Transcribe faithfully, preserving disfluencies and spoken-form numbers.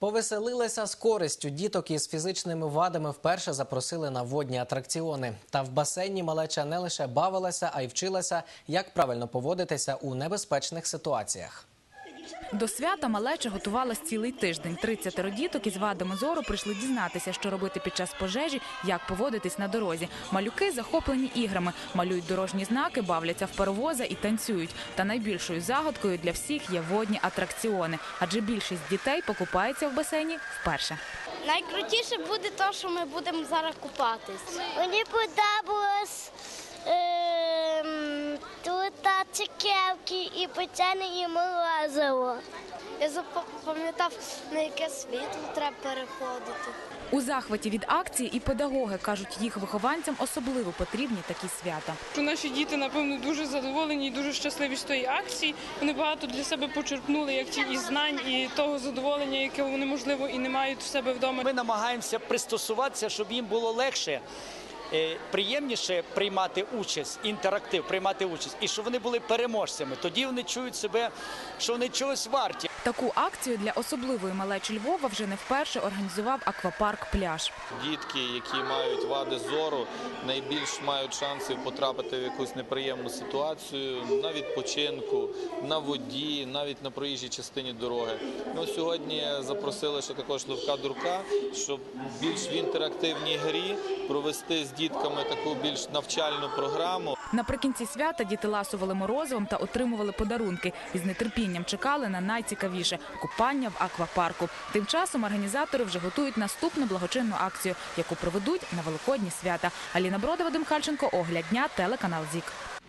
Повеселилися з користю. Діток із фізичними вадами вперше запросили на водні атракціони. Та в басейні малеча не лише бавилася, а й вчилася, як правильно поводитися у небезпечних ситуаціях. До свята малеча готувалась цілий тиждень. тридцятеро діток із вадами зору прийшли дізнатися, що робити під час пожежі, як поводитись на дорозі. Малюки захоплені іграми, малюють дорожні знаки, бавляться в паровоза і танцюють. Та найбільшою загадкою для всіх є водні атракціони, адже більшість дітей покупається в басейні вперше. Найкрутіше буде те, що ми будемо зараз купатись. Мені подобалось ем, тут цукерки і печені, і морозиво. Я запам'ятав, на яке світло треба переходити. У захваті від акції і педагоги, кажуть, їх вихованцям особливо потрібні такі свята. Наші діти, напевно, дуже задоволені і дуже щасливі з тої акції. Вони багато для себе почерпнули, як ті і знань, і того задоволення, яке вони, можливо, і не мають в себе вдома. Ми намагаємося пристосуватися, щоб їм було легше, приємніше приймати участь, інтерактив, приймати участь, і щоб вони були переможцями. Тоді вони чують себе, що вони чогось варті. Таку акцію для особливої малечі Львова вже не вперше організував аквапарк «Пляж». Дітки, які мають вади зору, найбільш мають шанси потрапити в якусь неприємну ситуацію на відпочинку, на воді, навіть на проїжджій частині дороги. Ми сьогодні запросили ще також Левка Дурка, щоб більш в інтерактивній грі провести з дітками таку більш навчальну програму. Наприкінці свята діти ласували морозивом та отримували подарунки. І з нетерпінням чекали на найцікавіше – купання в аквапарку. Тим часом організатори вже готують наступну благочинну акцію, яку проведуть на Великодні свята. Аліна Брода, Вадим Кальченко, Огляд дня, телеканал ЗІК.